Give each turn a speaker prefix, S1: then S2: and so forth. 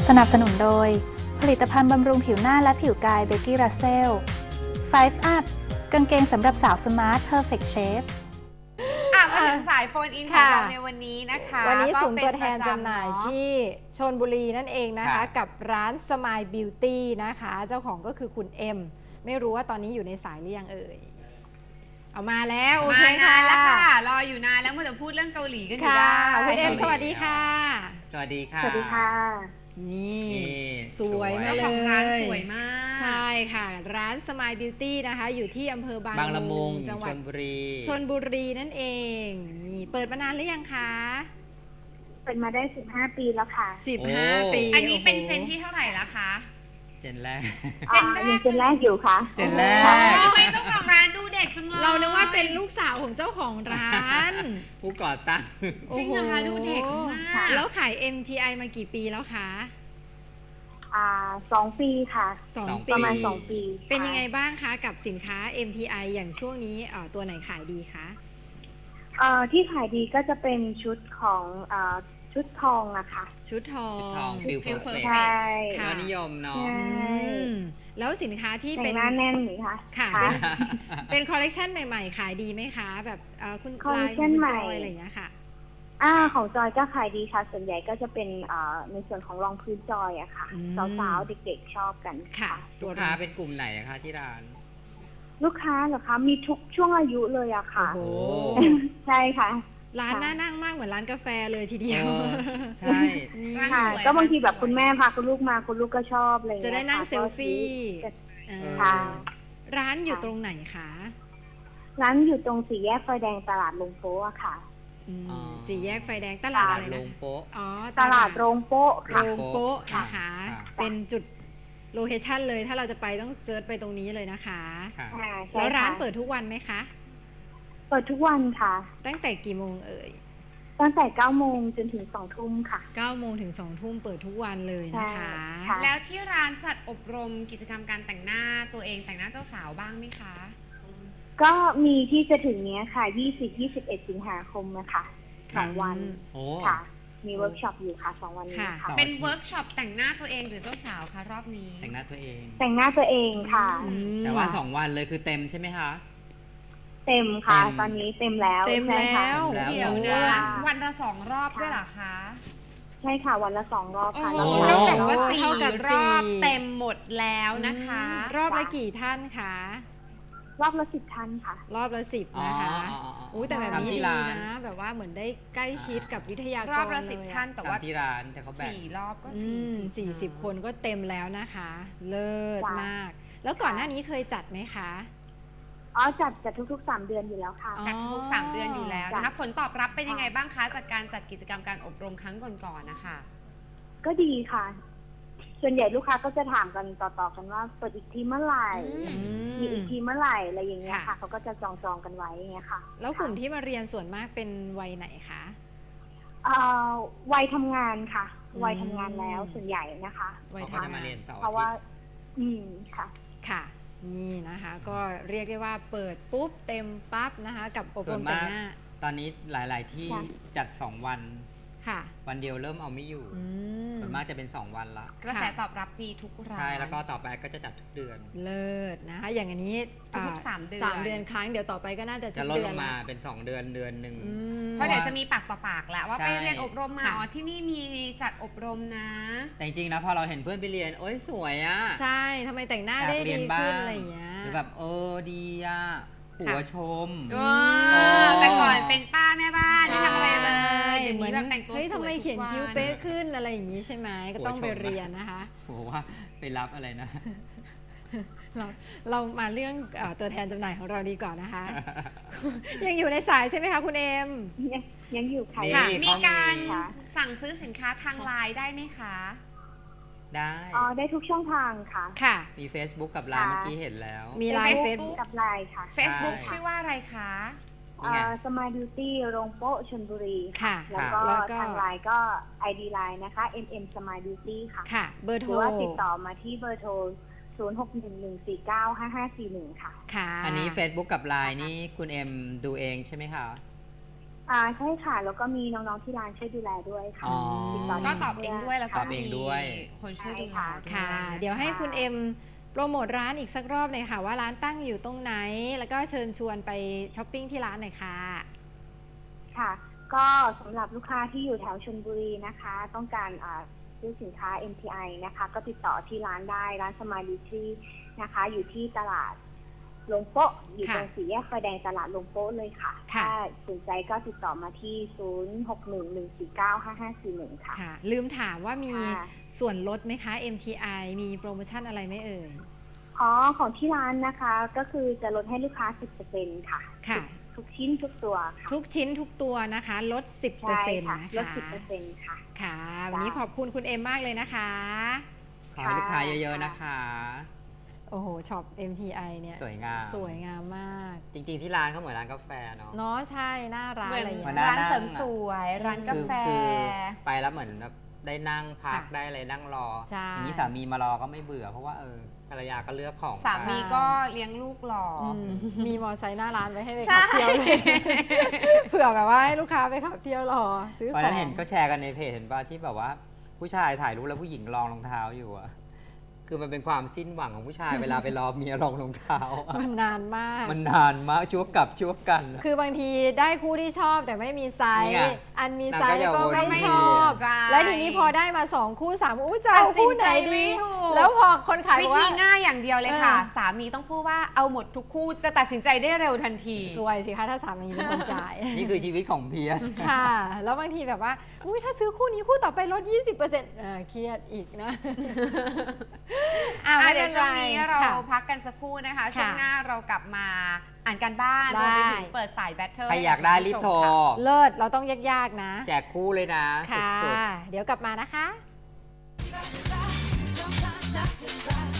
S1: สนับสนุนโดยผลิตภัณฑ์บำรุงผิวหน้าและผิวกายเบกกี้รัสเซล 5 Up กางเกงสำหรับสาวสมาร์ท Perfect Shape
S2: มาถึงสายโฟนอินของเราในวันนี้นะคะ
S3: วันนี้ศูนย์ตัวแทนจำหน่ายที่ชลบุรีนั่นเองนะคะกับร้านสมายบิวตี้นะคะเจ้าของก็คือคุณเอ็มไม่รู้ว่าตอนนี้อยู่ในสายหรือยังเอ่ยเอามาแล้วโอเคค่ะ
S2: แล้วค่ะรออยู่นานแล้วเมื่อจะพูดเรื่องเกาหลีกันอยู่
S3: ค่ะ
S2: ได้
S3: คุณเอ็มสวัสดีค่ะ
S4: สวัสดีค่ะ
S5: สวัสดีค่ะ
S3: นี่สวย
S2: เจ้า
S3: มา
S2: ของ
S3: เล
S2: ร้าน
S3: ย
S2: สวยมาก
S3: ใช่ค่ะร้านสมายบิวตี้นะคะอยู่ที่อำเภอบาง
S4: ละมุง
S3: จังหวั
S4: ช
S3: ด
S4: ลบุรี
S3: ชลบุรีนั่นเองนี่เปิดมานานหรือยังคะ
S5: เป็นมาได้ 15 ปีแล้วค่ะ
S3: 15 ปี
S2: อันนี้เป็น
S3: โโห
S2: เจนที่เท่าไหร่แล้วคะ
S4: เจนแรก
S5: ยังเป็นแรกอยู่ค่ะ
S4: เจนแรก
S2: ทำไมเจ้าของร้านดูเด็กจังเลย
S3: เรานึกว่าเป็นลูกสาวของเจ้าของร้าน
S4: ผู้ก่อตั้ง
S2: จริงเหรอคะดูเด็กมาก
S3: แล้วขาย MTI มากี่ปีแล้วคะ
S5: 2 ปีค่ะ
S3: 2 ปี
S5: ประมาณ 2 ปีค่ะ
S3: เป็นยังไงบ้างคะกับสินค้า MTI อย่างช่วงนี้ตัวไหนขายดีคะ
S5: ที่ขายดีก็จะเป็นชุดของชุดทองอะค่ะ
S3: ชุดทอ
S4: ชุดทอง
S3: ง
S4: ฟิล
S2: ฟิล
S4: เพอร์
S2: perfect
S4: เฟก
S5: ใช่
S3: ค่ะ
S4: ยอดนิยมเนาะ
S5: ใช่
S3: แล้วสินค้าที่
S5: แต่
S3: เป็
S5: ง
S3: น
S5: หน้าแน่นหรือคะ
S3: ค่ะ
S5: ค่ะ
S3: เป็นคอลเลกชันใหม่ๆ ขายดีไหมคะ แบบคุณ
S5: คอลเล
S3: ลาย
S5: ก
S3: ข
S5: ชั
S3: อง
S5: น
S3: คุณ
S5: ใหม่
S3: จอยอะไรอย่างเงี้ยค่ะ
S5: ของจอยก็ขายดีค่ะ ส่วนใหญ่ก็จะเป็นในส่วนของรองพื้นจอยอะค่ะ
S3: อืม
S5: สาวๆเด็กๆชอบกัน
S3: ค่ะ
S4: ลูกค้าเป็นกลุ่มไหนนะคะที่ร้าน
S5: ลูกค้าเหรอคะ มีทุกช่วงอายุเลยอะค่ะ
S3: โอ้โห
S5: ใช่ค่ะ
S3: ร้านน่านั่งมากเหมือนร้านกาแฟเลยทีเดียว
S4: เออใช่
S2: ร้าน
S5: ค่ะ
S2: สวย
S5: ก็บางทีแบบ
S2: ร้นสวย
S5: คุณแม่พาคุณลูกมาคุณลูกก็ชอบอะไรอย่าง
S3: จะ
S5: เงี้ย
S3: ได้นั่ง
S5: ค่ะ
S3: เซลฟี่
S5: ก็
S3: อ่า
S5: ค่ะ
S3: ร้านอยู่ตรงไหนคะ
S5: ร้านอยู่ตรงสี่แยกไฟแดงตลาดลงโป๊ะอะค่ะ
S3: สี่แยกไฟแดงตลาดอะไร
S4: ล
S3: นะ
S4: งโป๊ะ
S3: อ๋อ
S5: ตลาดโรงโป๊ะ
S3: โร
S5: ค่ะ
S3: งโป๊ะ
S4: ค่ะ
S3: นะคะ
S4: ค่ะ
S3: เป็นจุดโลเคชั่นเลยถ้าเราจะไปต้องเซิร์ชไปตรงนี้เลยนะคะ
S4: ค่ะ
S5: ใช่
S3: แล้วร้าน
S5: ค่ะ
S3: เปิดทุกวันไหมคะ
S5: เปิดทุกวันค่ะ
S3: ตั้งแต่กี่โมงเอ่ย
S5: ตั้งแต่9 โมงจนถึง2 ทุ่มค่ะ
S3: 9 โมงถึง 2 ทุ่มเปิดทุกวันเลยนะคะ
S5: ใช่ค่ะ
S2: แล้วที่ร้านจัดอบรมกิจกรรมการแต่งหน้าตัวเองแต่งหน้าเจ้าสาวบ้างไหมคะ
S5: ก็มีที่จะถึงเนี้ยค่ะ 20-21 สิงหาคมนะคะ2 วัน
S4: โอ้
S5: ค่ะ มีเวิร์กช็อปอยู่ค่ะ2 วันนี้
S3: ค่ะ
S5: ค่ะ
S2: เป็นเวิร์กช็อปแต่งหน้าตัวเองหรือเจ้าสาวคะรอบนี้
S4: แต่งหน้าตัวเอง
S5: แต่งหน้าตัวเองค่ะ
S3: อืม
S4: แต่ว่า2 วันเลยคือเต็มใช่ไหมคะ
S5: เต็มค่ะ
S4: เต็ม
S5: ตอนนี้เต็มแล้ว
S3: เต็ม
S5: ใช่ค่ะ
S3: แล้ว
S4: แล้ว
S2: เดี๋ยว
S4: สอง
S2: นะ
S4: วัน
S2: วันละ2 รอบด้วยเหรอคะ
S5: ใช่ค่ะ วันละ2 รอบค่ะ
S2: โอ้
S5: แล้ว
S2: โห
S5: ก็
S2: เท่ากับว่า
S3: เท่ากับ
S2: 4 รอบ
S3: สี่
S2: เต็มหมดแล้วนะคะ
S3: รอบละกี่ท่านคะ
S5: รอบละ10 ท่านค่ะ
S3: รอบละ10นะคะ
S4: อ๋อ
S3: อุ้ยแต่แบบนี้
S4: ทำที่
S3: ดี
S4: ร้าน
S3: นะ แบบว่าเหมือนได้ใกล้ชิดกับวิทยากร
S2: รอบละ
S3: เย
S2: 10 ท่านแต่ว่า
S4: ทำที่ร้านแต่เขาแบ่ง
S2: 4 รอบก็
S3: อืม
S2: 40
S3: 40 คนก็เต็มแล้วนะคะ เลิศ
S5: จ้ะ
S3: มาก แล้วก่อนหน้านี้เคยจัดไหมคะ
S5: อ๋อจัดทุกๆ 3 เดือนอยู่แล้วค่ะ
S2: จัดทุกๆ3 เดือนอยู่แล้วนะคะ
S5: จ้ะ
S2: ผลตอบรับเป็นยังไงบ้างคะจากการจัดกิจกรรมการอบรมครั้งก่อนๆนะคะ
S5: ก็ดีค่ะ ส่วนใหญ่ลูกค้าก็จะถามกันต่อๆกันว่าเปิดอีกทีเมื่อไหร่
S2: อื
S5: มีอีกทีเมื่อไหร่อะไรอย่างเงี้ย
S3: ค่ะ
S5: ค่ะเขาก็จะจองกันไว้อย่างเงี้ยค่ะ
S3: แล้วกลุ่มที่มาเรียนส่วนมากเป็นวัยไหนคะ
S5: เอ่อวัยทำงานค่ะ
S3: อืม
S5: วัยทำงานแล้วส่วนใหญ่นะคะ
S3: วัย
S4: เขาก็จะ
S3: ทำ
S4: มาง
S3: าน
S4: เรียนเสาร์
S5: เพ
S4: อา
S5: ราะว่า
S4: ทิตย์
S5: ค่ะ
S3: ค่ะ นี่นะคะ ก็เรียกได้ว่าเปิดปุ๊บเต็มปั๊บนะคะ กับอบร
S4: ส่ว
S3: ม
S4: น
S3: แต่
S4: มาง ก
S3: หน้า
S4: ตอนนี้หลาย ๆ ที่
S5: ค่ะ
S4: จัด2 วัน
S3: ค่ะ
S4: วันเดียวเริ่มเอาไม่อยู่
S3: อืม
S4: ส่วนมากจะเป็น2 วันละ
S2: กระแสตอบรับดีทุกร้าน
S4: ใช่แล้วก็ต่อไปก็จะจัดทุกเดือน
S3: เลิศนะคะ อย่างอันนี้
S2: ทุกๆ3 เดือน
S3: 3 เดือนครั้งเดี๋ยวต่อไปก็น่าจะทุ
S4: จะ
S3: ก
S4: ลด
S3: เดื
S4: ล
S3: อน
S4: งมา
S3: ละ
S4: เป็น2 เดือนเดือนหนึ่ง
S3: อืม
S2: เพราะเดี๋ยวจะมีปากต่อปากแล้วว่า
S4: ใช่
S2: ไปเรียนอบรมมา
S3: ค่ะ
S2: อ๋อที่นี่มีจัดอบรมนะ
S4: แต่จริงๆนะพอเราเห็นเพื่อนไปเรียนโอ๊ยสวยอะ
S3: ใช่ทำไมแต่งหน้า
S4: อยาก
S3: ได้
S4: เรี
S3: ดี
S4: ยนบ้า
S3: ขึ้
S4: ง
S3: นอะไรอย่างเงี้ย
S4: หรือแบบดีอะหัวชม
S2: แต่ก่อนเป็นป้าแม่บ้านไม่ทำอะไรเลย
S3: ใช่
S2: เดี๋ยวนี้แบบแต่งตัวสวย
S3: เฮ้ยทำไม
S2: ทุก
S3: เขียน
S2: วัน
S3: คิ้วเป๊ะขึ้นอะไรอย่างนี้ใช่ไหมก็ต้องไป
S4: หัวชม
S3: เรียนนะคะ
S4: โหว่าไปรับอะไรนะ
S3: เรามาเรื่องตัวแทนจำหน่ายของเราดีก่อนนะคะ ยังอยู่ในสายใช่ไหมคะคุณเอ็ม
S5: ยังอยู่ค่ะ
S4: นี่
S2: ค่ะ
S4: เขามี
S2: มีการ
S5: ค่ะ
S2: สั่งซื้อสินค้าทางไลน์ได้ไหมคะ
S4: ได้
S5: อ๋อได้ทุกช่องทางค่ะ
S3: ค่ะ
S4: มี Facebook กับไลน์
S5: ค่ะ
S4: เมื่อกี้เห็นแล้ว
S3: มีไลน์
S2: Facebook
S3: เฟซบุ๊ก
S5: กับไลน์ค่ะ
S2: Facebook
S4: ใช่
S2: ชื่อว่าอะไรคะ
S4: นี่ไง
S5: สมายบิวตี้โรงโป๊ะชลบุรี
S3: ค่ะ
S5: แล้วก็
S3: แล้วก็
S5: ทางไลน์ก็ ID ไลน์นะคะ Smile Beauty ค่ะ
S3: ค่ะ เบอร์
S5: ห
S3: โท
S5: รื
S3: ร
S5: อว่าติดต่อมาที่เบอร์โทร 0611495541 ค่ะ
S3: ค่ะ
S4: อันนี้ Facebook กับไลน์นี่คุณเอ็มดูเองใช่ไหมคะ
S5: ใช่ค่ะ แล้วก็มีน้องๆที่ร้านช่วยดูแลด้วยค่ะ
S4: อ๋อ
S5: ติดต่
S2: ก็ตอบเองด้วยแล้วก็
S4: ตอบเองด้วย
S2: มีคนช่วยดูแลด้วย
S3: ค่ะ เดี๋ยวให้คุณเอ็มโปรโมทร้านอีกสักรอบเลยค่ะ ว่าร้านตั้งอยู่ตรงไหน แล้วก็เชิญชวนไปช้อปปิ้งที่ร้านหน่อยค่ะ
S5: ค่ะ ก็สำหรับลูกค้าที่อยู่แถวชลบุรีนะคะ ต้องการซื้อสินค้า MTI นะคะ ก็ติดต่อที่ร้านได้ร้านสมายบิวตี้นะคะ อยู่ที่ตลาดลงโป๊ะอยู่ตรงสี่แยกไฟแดงตลาดลงโป๊ะเลยค่ะ
S3: ค่ะ
S5: ถ้าสนใจก็ติดต่อมาที่ 0611495541 ค่ะ
S3: ค่ะ ลืมถามว่ามี
S5: ค่ะ
S3: ส่วนลดไหมคะ MTI มีโปรโมชั่นอะไรไหมเอ่ย
S5: ของที่ร้านนะคะก็คือจะลดให้ลูกค้า 10% ค่ะ
S3: ค่ะ
S5: ทุกชิ้นทุกตัวค่ะ
S3: ทุกชิ้นทุกตัวนะคะ ลด 10%
S5: ใช่ค่ะ
S3: นะคะ
S5: ลด 10% ค่ะ
S3: ค่ะ วันนี้ขอบคุณคุณเอ็มมากเลยนะคะ
S4: ขอให้ลูกค้าเยอะๆนะคะ
S3: โอ้โหช็อป MTI เนี่ย
S4: สวยงาม
S3: สวยงามมาก
S4: จริงๆที่ร้านเขาเหมือนร้านกาแฟเนาะ
S3: เนาะใช่หน้าร้าน
S2: เหมือน
S3: อะไรอย่าง
S4: เหมื
S3: เงี้
S4: อน
S3: ย
S2: ร้านเสริมสวยร้านกาแฟ
S4: คือไปแล้วเหมือนแบบได้นั่งพัก
S3: ค่ะ
S4: ได้อะไรนั่งรอ
S3: ใช่
S4: อย่างนี้สามีมารอก็ไม่เบื่อเพราะว่าภรรยาก็เลือกของ
S2: สามีก็เลี้ยงลูกหล่ออ
S3: มีมอไซค์หน้าร้านไว้ให้ไป
S2: ใช่
S3: ขับเที่ยวเลย เผื่อแบบว่าให้ลูกค้าไปขับเที่ยวรอซื้อข
S4: วัน
S3: อ
S4: นั้น
S3: ง
S4: เห็นก็แชร์กันในเพจเห็นป่ะที่แบบว่าผู้ชายถ่ายรูปแล้วผู้หญิงรองรองเท้าอยู่อะคือมันเป็นความสิ้นหวังของผู้ชายเวลาไปรอเมียรองรองเท้าอะ
S3: มันนานมาก
S4: มันนานมากชั่วกับชั่วกันอะ
S3: คือบางทีได้คู่ที่ชอบแต่ไม่มีไซ
S4: นี่
S3: ส์
S4: ไง
S3: อันมีไซส์
S4: นางก็
S3: ก็
S4: อย่า
S3: ไม่
S4: วน
S3: ชอบ
S2: ใช่
S3: แล้วทีนี้พอได้มา2คู่3คู่จะเอาคู่ไหน
S2: ตัดสินใจไม่
S3: ดี
S2: ถูก
S3: แล้วพอคนขาย
S2: วิ
S3: บอก
S2: ธี
S3: ว่า
S2: ง่ายอย่างเดียวเลยค่ะ
S3: เออ
S2: สามีต้องพูดว่าเอาหมดทุกคู่จะตัดสินใจได้เร็วทันที
S3: สวยสิคะถ้าสามีเป็นคนจ่าย
S4: นี่คือชีวิตของเพียส
S3: ค่ะ แล้วบางทีแบบว่าอุ้ยถ้าซื้อคู่นี้คู่ต่อไปลด 20%เครียดอีกนะ ไม่
S2: เดี๋ยวช่วงนี้เรา
S3: ค่ะ
S2: พักกันสักครู่นะคะ ช่วง
S3: ค่ะ
S2: หน้าเรากลับมาอ่านการบ้าน
S3: ได้
S2: รวมไปถึงเปิดสายแบทเทิล
S4: ใครอยากได้รีบโทร
S3: เลิศเราต้องยากๆนะ
S4: แจกคู่เลยนะ
S3: ค่ะ
S4: สุด
S3: เดี๋ยวกลับมานะคะ
S6: Sometimes I just cry.